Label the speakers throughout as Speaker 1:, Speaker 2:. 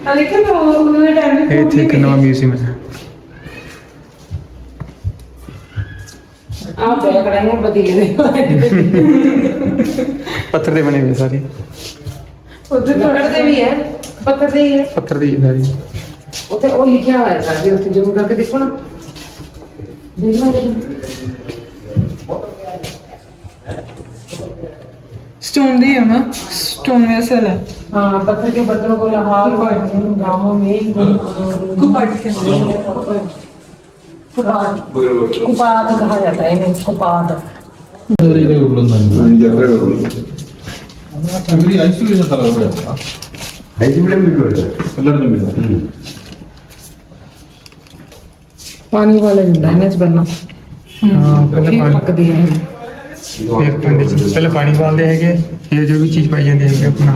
Speaker 1: लेकिन उन्होंने टाइम
Speaker 2: ਇਹ ਇੱਥੇ ਇੱਕ ਨਵਾਂ ਮਿਊਜ਼ੀਅਮ ਹੈ।
Speaker 1: आप क्या करेंगे बदले
Speaker 2: ਪੱਥਰ ਦੇ ਬਣੇ ਹੋਏ ਸਾਰੇ।
Speaker 1: उधर पत्थर भी है पत्थर से ही है
Speaker 2: ਪੱਥਰ ਦੀ ਸਾਰੀ।
Speaker 1: उसे वो लिखा हुआ है सारे उसे जूम करके देखो ना
Speaker 3: स्टोन दी है ना स्टोन वेसल है
Speaker 1: हाँ पत्थर के बर्तनों को लाहौर गाँवों में
Speaker 3: कुपाट के
Speaker 1: कुपाद कहा जाता है इन्हें कुपाद पानी वाले डैमेज बनना
Speaker 2: ਹਾਂ ਪਹਿਲਾਂ ਪਾਣੀ
Speaker 1: पकदी है
Speaker 2: ਫਿਰ ਪਿੰਡ 'ਚ ਪਹਿਲਾਂ ਪਾਣੀ ਪਾਲਦੇ ਹੈਗੇ, ਫਿਰ ਜੋ ਵੀ ਚੀਜ਼ ਪਾਈ ਜਾਂਦੀ ਹੈਗੀ ਆਪਣਾ।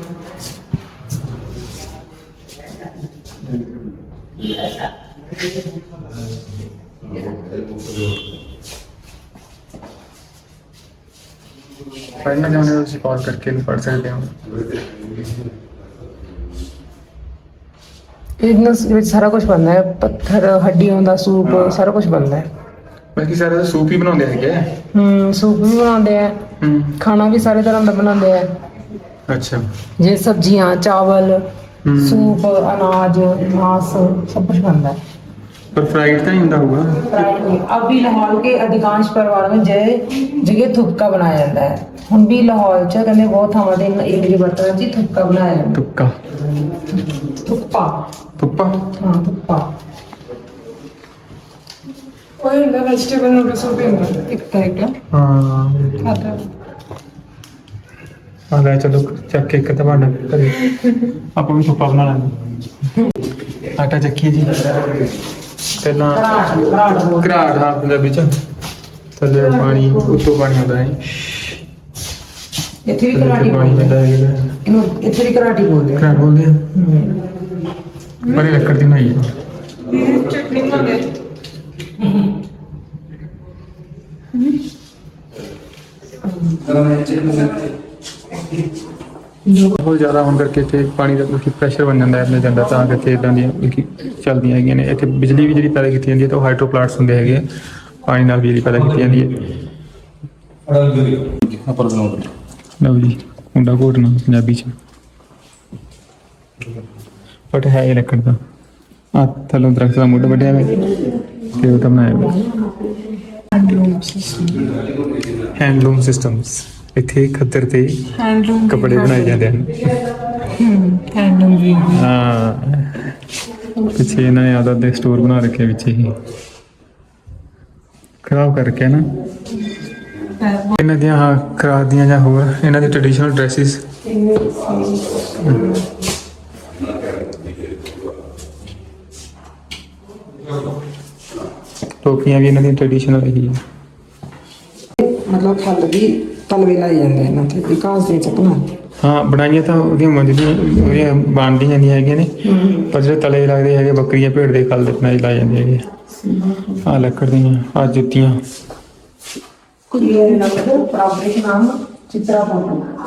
Speaker 2: पढ़ना चाहते हो तो कॉल करके भी पढ़ सकते हो।
Speaker 1: इतना सारा कुछ बनता है पत्थर हड्डियों का सूप सारा कुछ बनता है
Speaker 2: बल्कि सारे सूप ही बनाते हैं।
Speaker 1: सूप भी बनाते हैं खाना भी सारे तरह का बनाते हैं
Speaker 2: अच्छा
Speaker 1: जे सब्जियां चावल सूप अनाज मांस सब कुछ बनता है
Speaker 2: पर फ्राइड तो नहीं होता होगा।
Speaker 1: अब भी लाहौर के अधिकांश परिवारों में जगह थुपका बनाया जाता है हम भी लाहौर च कहते बहुत थावां ते इडली बर्तन च थुपका बनाया जाता
Speaker 2: तुक्का
Speaker 1: है थुप्पा
Speaker 2: तुप्पा
Speaker 1: हाँ थुप्पा
Speaker 3: कोई ना वेजिटेबल नूडल्स भी होता एक टाइप का
Speaker 2: हाँ
Speaker 3: खाता है
Speaker 2: आ गए चलो चक के एक भांडा करिए आप भी तुप्पा बना लेंगे। आटा चक्की जी पहला घराट हाँ पंजाबी च थले पानी उत्तों पानी आता है
Speaker 1: इत्थे भी
Speaker 2: थल्ले
Speaker 1: कराटी
Speaker 2: पानी
Speaker 1: बोलते
Speaker 2: पैदा
Speaker 1: हैं
Speaker 2: है
Speaker 1: इन्हों इत्थे भी कराटी बोलते हैं
Speaker 2: घराट बोलते हैं पर ये लकड़ दी बनाई है।
Speaker 3: चटनी बनाते
Speaker 2: बहुत ज़्यादा होने करके इतने पानी का मतलब प्रेशर बन जाता है अपने जाता ਤਾਂ ਕਰਕੇ ਇਦਾਂ ਦੀਆਂ ਚੱਲਦੀਆਂ ਹੈਗੀਆਂ ਨੇ। ਇੱਥੇ ਬਿਜਲੀ ਵੀ ਜਿਹੜੀ ਪੈਦਾ ਕੀਤੀ ਜਾਂਦੀ ਹੈ ਤਾਂ ਉਹ ਹਾਈਡਰੋ ਪਲਾਂਟਸ ਹੁੰਦੇ ਹੈਗੇ ਆ, ਪਾਣੀ ਨਾਲ ਬਿਜਲੀ ਪੈਦਾ ਕੀਤੀ ਜਾਂਦੀ ਹੈ। ਲਓ ਜੀ ਮੁੰਡਾ ਘੋਟਣਾ ਪੰਜਾਬੀ ਚ ਬਟ ਹੈ ਇਹ ਲੱਕੜ ਦਾ ਆ ਥੱਲੋਂ ਦਰਖਤ ਦਾ ਮੁੱਢ ਵੱਢਿਆ ਹੋਇਆ ਤੇ ਉਹ ਤਾਂ ਬਣਾਇਆ ਹੋਇਆ ਹੈਂਡਲੂਮ ਸਿਸਟਮਸ। ਇੱਥੇ ਖੱਦਰ ਤੇ
Speaker 3: हैंडलूम
Speaker 2: ਕੱਪੜੇ ਬਣਾਏ ਜਾਂਦੇ ਹਨ।
Speaker 3: हैंडलूम भी
Speaker 2: ਹਾਂ ਪਿੱਛੇ ਇਹਨਾਂ ਨੇ ਆਦਾ ਦੇ ਸਟੋਰ ਬਣਾ ਰੱਖਿਆ ਵਿੱਚ ਹੀ ਖਰਾਬ ਕਰਕੇ ਨਾ ਇਹਨਾਂ ਦੀਆਂ ਹਾਂ ਖਰਾਬ ਦੀਆਂ ਜਾਂ ਹੋਰ ਇਹਨਾਂ ਦੇ ਟ੍ਰੈਡੀਸ਼ਨਲ ਡਰੈਸਿਸ ਟੋਪੀਆਂ ਵੀ ਇਹਨਾਂ ਦੀਆਂ ਟ੍ਰੈਡੀਸ਼ਨਲ ਹੀ
Speaker 1: मतलब थल भी तलवे लाई जाते हैं ना ते विकास दे सकना
Speaker 2: ਹਾਂ ਬਣਾਈਆਂ ਤਾਂ ਉਹਦੀਆਂ ਮੰਜਦੀਆਂ ਉਹਦੀਆਂ ਬਣਦੀਆਂ ਜਾਂਦੀਆਂ ਹੈਗੀਆਂ ਨੇ ਪਰ ਜਿਹੜੇ ਤਲੇ ਲੱਗਦੇ ਹੈਗੇ ਬੱਕਰੀਆਂ ਭੇਡ ਦੇ ਖਲ ਦੇ ਬਣਾਏ ਲਾਏ ਜਾਂਦੇ ਹੈਗੇ ਆ ਲੱਕੜ ਦੀਆਂ ਆ ਜੁੱਤੀਆਂ
Speaker 1: ये लगता पारंपरिक नाम चित्रा पापड़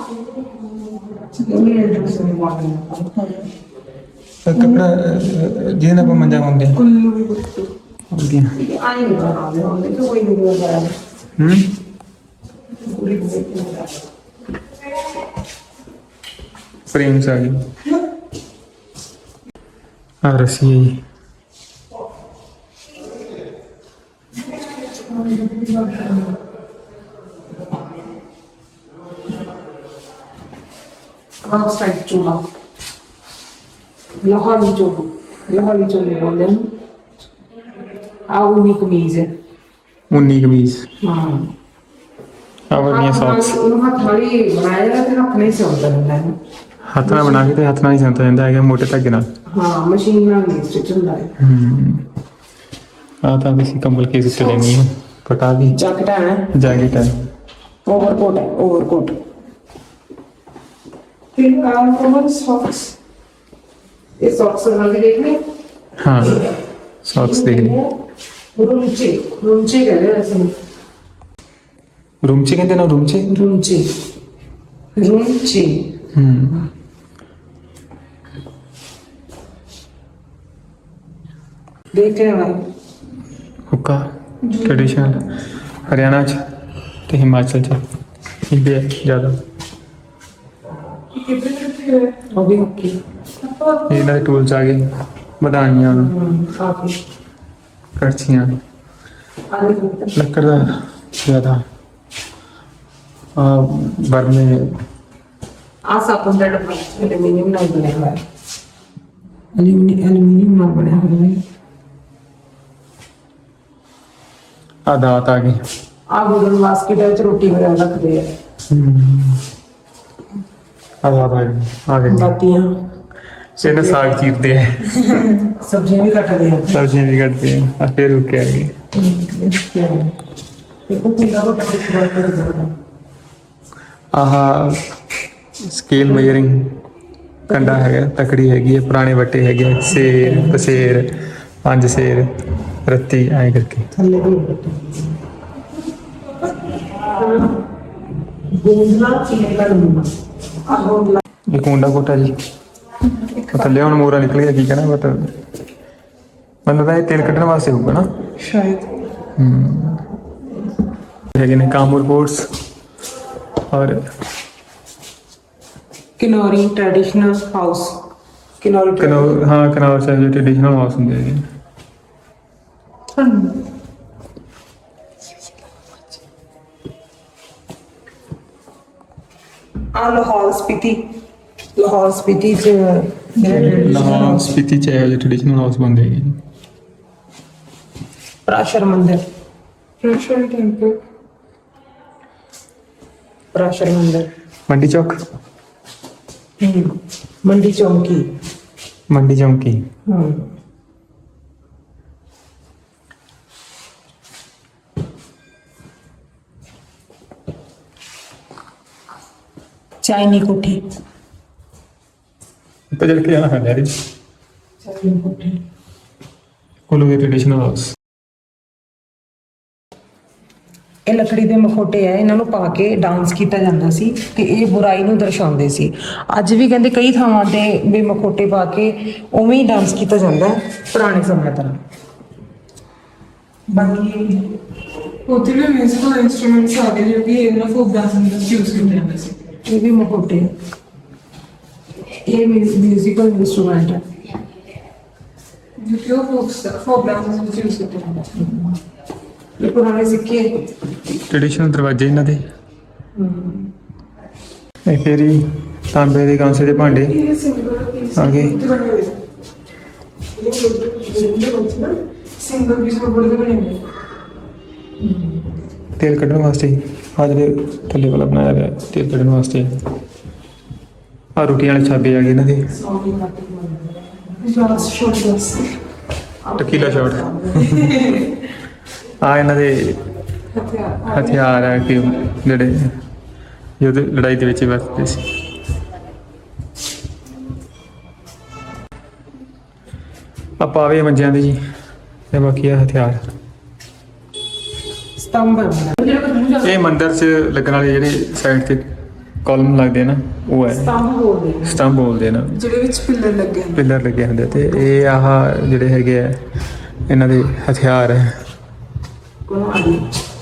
Speaker 2: ਕੱਪੜਾ ਜਿਹਦੇ ਨਾਲ ਆਪਾਂ ਮੰਜਾ ਪਾਉਂਦੇ ਹਾਂ
Speaker 3: कुल्लू भी बोलते हैं।
Speaker 2: ਉਹਦੀਆਂ
Speaker 1: आई नहीं बना रहे होंगे तो कोई नहीं बना रहा पूरी
Speaker 2: फ्रेम्स आ गई आ रस्सी है जी
Speaker 1: साइड चूल्हा लाहौरी चूल्हे बोलते हैं आओ उन्हीं कमीज है
Speaker 2: ऊनी कमीज
Speaker 1: हाँ
Speaker 2: आ वर्निया सॉक्स
Speaker 1: उन्होंने थाली बनाया जाता है अपने से होता है
Speaker 2: हथ ਨਾਲ ਬਣਾ ਕੇ ਤੇ ਹੱਥ ਨਾਲ ਹੀ ਸੰਤਾ ਜਾਂਦਾ ਹੈਗਾ ਮੋਟੇ ਧਾਗੇ ਨਾਲ।
Speaker 1: हाँ मशीन में नहीं स्टिच होता है
Speaker 2: ਆ ਤਾਂ ਅਸੀਂ ਕੰਬਲ ਕੇਸ ਉੱਤੇ ਲੈਣੀ ਹੈ ਪਟਾ ਵੀ
Speaker 1: जैकेट है
Speaker 2: ਜੈਕਟ ਹੈ
Speaker 1: ओवरकोट है ओवरकोट फिर कॉमन सॉक्स ये सॉक्स बना के देखने
Speaker 2: ਹਾਂ ਸੌਕਸ ਦੇਖ ਲਈ
Speaker 1: रूमचे रूमचे कहते हैं ऐसे
Speaker 2: ਰੂਮ ਚ ਕਹਿੰਦੇ ਨਾ ਰੂਮ ਚ
Speaker 1: रूमचे रूमचे ਦੇਖ ਲੈਣਾ
Speaker 2: ਹੁੱਕਾ ਟ੍ਰੈਡੀਸ਼ਨਲ ਹਰਿਆਣਾ ਚ ਤੇ ਹਿਮਾਚਲ ਚ ਇੰਡੀਆ ਜ਼ਿਆਦਾ
Speaker 1: ਉਹ ਵੀ ਓਕੇ
Speaker 2: ਇਹਨਾਂ ਦੇ ਟੂਲਸ ਆ ਗਏ ਵਧਾਈਆਂ
Speaker 1: ਕਾਫੀ
Speaker 2: ਕੜਛੀਆਂ ਲੱਕੜ ਦਾ ਜ਼ਿਆਦਾ ਬਰਮੇ
Speaker 1: ਆ ਸਾਬਣ ਦਾ ਡੱਬਾ ਐਲੂਮੀਨੀਅਮ ਨਾਲ ਬਣਿਆ ਹੋਇਆ ਐਲੂਮੀਨੀਅਮ ਨਾਲ ਬਣਿਆ ਹੋਇਆ ਹੈ
Speaker 2: ਆ ਦਾਤ ਆ ਗਈ
Speaker 1: ਆ ਗੁਰਨ ਬਾਸਕਟ ਵਿੱਚ ਰੋਟੀ ਵਗੈਰਾ ਰੱਖਦੇ ਆ
Speaker 2: ਆ ਦਾਤ ਆ ਗਈ
Speaker 1: ਬਾਤੀਆਂ
Speaker 2: ਇਹਨੇ ਸਾਗ ਚੀਰਦੇ ਆ
Speaker 1: ਸਬਜ਼ੀਆਂ ਵੀ ਕੱਟਦੇ ਆ
Speaker 2: ਸਬਜ਼ੀਆਂ ਵੀ ਕੱਟਦੇ ਆ ਫਿਰ ਰੁਕੇ ਆ ਗਏ
Speaker 1: ਦੇਖੋ ਕਿੰਨਾ ਵੱਡਾ ਟੁਕੜਾ ਕਰ ਦਿੰਦਾ
Speaker 2: ਆਹ ਸਕੇਲ ਮੇਜਰਿੰਗ ਕੰਡਾ ਹੈਗਾ ਤਕੜੀ ਹੈਗੀ ਹੈ ਪੁਰਾਣੇ ਵੱਟੇ ਹੈਗੇ ਆ, ਸੇਰ ਪਸੇਰ 5 ਸੇਰ ਰੱਤੀ ਐਂ ਕਰਕੇ
Speaker 1: ਥੱਲੇ ਵੀ ਗੋਂਦਲਾ ਚੀਲਾ ਲੂਣਾ ਆ ਗੋਂਦਲਾ
Speaker 2: ਇਹ ਕੁੰਡਾ ਕੋਟਾ ਜੀ ਉਹ ਥੱਲੇ ਹੁਣ ਮੋਰਾ ਨਿਕਲ ਗਿਆ ਕੀ ਕਹਿਣਾ ਬਟ ਮੈਨੂੰ ਤਾਂ ਇਹ ਤੇਲ ਕੱਢਣ ਵਾਸਤੇ ਹੋਊਗਾ ਨਾ
Speaker 1: ਸ਼ਾਇਦ
Speaker 2: ਹੈਗੇ ਨੇ ਕਾਮੂਰ ਬੋਰਡਸ ਔਰ
Speaker 1: ਕਿਨੌਰੀ ਟ੍ਰੈਡੀਸ਼ਨਲ ਹਾਊਸ ਕਿਨੌਰੀ
Speaker 2: ਕਨੌਰ ਸਾਹਿਬ ਦੇ ਟ੍ਰੈਡੀਸ਼ਨਲ ਹਾਊਸ ਹੁੰਦੇ ਹੈਗੇ
Speaker 1: ਆ ਲਾਹੌਰ ਸਪੀਤੀ ਚ
Speaker 2: ਲਾਹੌਰ ਸਪੀਤੀ ਚ ਇਹੋ ਜਿਹੇ ਟ੍ਰੈਡੀਸ਼ਨਲ ਹਾਊਸ ਬਣਦੇ ਹੈਗੇ ਜੀ
Speaker 1: ਪ੍ਰਾਸ਼ਰ ਮੰਦਿਰ
Speaker 3: Russian temple.
Speaker 1: ਪ੍ਰਾਸ਼ਰ ਮੰਦਿਰ
Speaker 2: ਮੰਡੀ ਚੌਕ
Speaker 1: ਮੰਡੀ ਚੌਂਕੀ
Speaker 2: ਮੰਡੀ ਚੌਂਕੀ
Speaker 1: ਚਾਈਨੀ ਕੋਠੀ
Speaker 2: ਉੱਤੇ ਚੜ ਕੇ ਜਾਣਾ ਹੈ ਡੈਡੀ
Speaker 1: ਚਾਈਨੀ ਕੋਠੀ
Speaker 2: ਕੋਲੋਂ ਦੇ ਟ੍ਰੈਡੀਸ਼ਨਲ ਹਾਊਸ
Speaker 1: ਇਹ ਲੱਕੜੀ ਦੇ ਮਖੋਟੇ ਆ ਇਹਨਾਂ ਨੂੰ ਪਾ ਕੇ ਡਾਂਸ ਕੀਤਾ ਜਾਂਦਾ ਸੀ ਤੇ ਇਹ ਬੁਰਾਈ ਨੂੰ ਦਰਸਾਉਂਦੇ ਸੀ ਅੱਜ ਵੀ ਕਹਿੰਦੇ ਕਈ ਥਾਵਾਂ ਤੇ ਵੀ ਮਖੋਟੇ ਪਾ ਕੇ ਉਵੇਂ ਹੀ ਡਾਂਸ ਕੀਤਾ ਜਾਂਦਾ ਹੈ ਪੁਰਾਣੇ ਸਮੇਂ ਤਰ੍ਹਾਂ ਬਾਕੀ
Speaker 3: ਉੱਥੇ ਵੀ ਮਿਊਜ਼ੀਕਲ ਇਨਸਟਰੂਮੈਂਟਸ ਆ ਗਏ ਜੋ ਕਿ ਇਹਨਾਂ ਫੋਕ ਡਾਂਸ ਵਿੱਚ ਯੂਜ਼ ਕੀਤੇ ਜਾਂਦੇ ਸੀ
Speaker 1: ਇਹ ਵੀ ਮਖੋਟੇ ਆ। ਇਹ ਮਿਊਜ਼ੀਕਲ ਇਨਸਟਰੂਮੈਂਟ ਹੈ
Speaker 3: ਜੋ ਕਿ ਉਹ ਫੋਕ ਡਾਂਸ ਵਿੱਚ ਯੂਜ਼ ਕੀਤੇ ਜਾਂਦੇ ਸੀ
Speaker 1: ਇਹ ਪੁਰਾਣੇ ਸਿੱਕੇ
Speaker 2: ਟ੍ਰੈਡੀਸ਼ਨਲ ਦਰਵਾਜ਼ੇ ਇਹਨਾਂ ਦੇ ਇਹ ਫੇਰੀ ਤਾਂਬੇ ਦੇ ਕਾਂਸੇ ਦੇ ਭਾਂਡੇ
Speaker 3: ਇਹ ਸਿੰਗਲ ਪੀਸ
Speaker 2: ਆ ਗਏ
Speaker 3: ਸਿੰਗਲ ਪੀਸ ਕੋਲ ਦੇ ਬਣੇ ਹੋਏ
Speaker 2: ਤੇਲ ਕੱਢਣ ਵਾਸਤੇ ਆ ਜਿਹੜੇ ਥੱਲੇ ਵਾਲਾ ਬਣਾਇਆ ਗਿਆ ਤੇਲ ਕੱਢਣ ਵਾਸਤੇ ਆ ਰੋਟੀਆਂ ਵਾਲੇ ਛਾਬੇ ਆ ਗਏ ਇਹਨਾਂ ਦੇ
Speaker 3: glass shot glass
Speaker 2: tequila shot ਆ ਇਹਨਾਂ ਦੇ ਹਥਿਆਰ ਆ ਕਿ ਜਿਹੜੇ ਯੁੱਧ ਲੜਾਈ ਦੇ ਵਿੱਚ ਵਰਤਦੇ ਸੀ ਆ ਪਾਵੇ ਮੰਜਿਆਂ ਦੇ ਜੀ ਤੇ ਬਾਕੀ ਆ ਹਥਿਆਰ
Speaker 1: ਸਤੰਭ
Speaker 2: ਇਹ ਮੰਦਿਰ 'ਚ ਲੱਗਣ ਵਾਲੇ ਜਿਹੜੇ ਸਾਈਡ ਤੇ ਕਾਲਮ ਲੱਗਦੇ ਆ ਨਾ ਉਹ ਹੈ ਸਤੰਭ ਬੋਲਦੇ ਨਾ
Speaker 3: ਜਿਹੜੇ ਵਿੱਚ ਪਿੱਲਰ ਲੱਗੇ ਹੁੰਦੇ
Speaker 2: ਪਿੱਲਰ ਲੱਗੇ ਹੁੰਦੇ ਤੇ ਇਹ ਆਹ ਜਿਹੜੇ ਹੈਗੇ ਆ ਇਹਨਾਂ ਦੇ ਹਥਿਆਰ ਹੈ
Speaker 1: ਕੋਲ ਆ ਗਈ